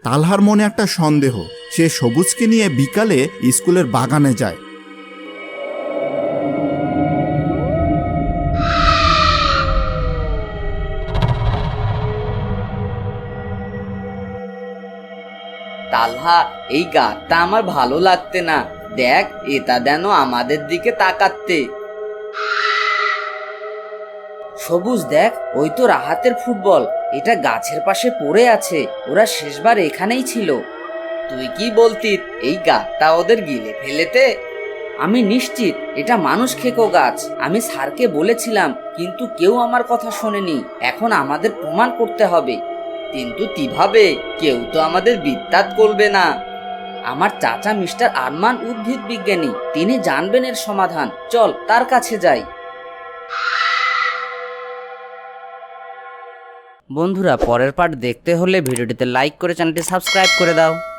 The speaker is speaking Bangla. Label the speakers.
Speaker 1: তালহার মনে একটা সন্দেহ। সে সবুজকে নিয়ে বিকালে স্কুলের বাগানে যায়।
Speaker 2: তালহা, এই গাছটা আমার ভালো লাগতে না। দেখ, এটা যেন আমাদের দিকে তাকাচ্ছে। সবুজ, দেখ, ওই তো রাহাতের ফুটবল। এটা গাছের পাশে পড়ে আছে। ওরা শেষবার এখানেই ছিল। তুই কি বলতিস এই গাছটা ওদের গিলে ফেলেতে? আমি নিশ্চিত এটা মানুষ খেকো গাছ। আমি স্যারকে বলেছিলাম, কিন্তু কেউ আমার কথা শোনেনি। এখন আমাদের প্রমাণ করতে হবে। কিন্তু কিভাবে? কেউ তো আমাদের বিত্তাত করবে না। আমার চাচা মিস্টার আরমান উদ্ভিদ বিজ্ঞানী, তিনি জানবেন এর সমাধান। চল তার কাছে যাই। বন্ধুরা, পরের পার্ট দেখতে হলে ভিডিওটিতে লাইক করে চ্যানেলটি সাবস্ক্রাইব করে দাও।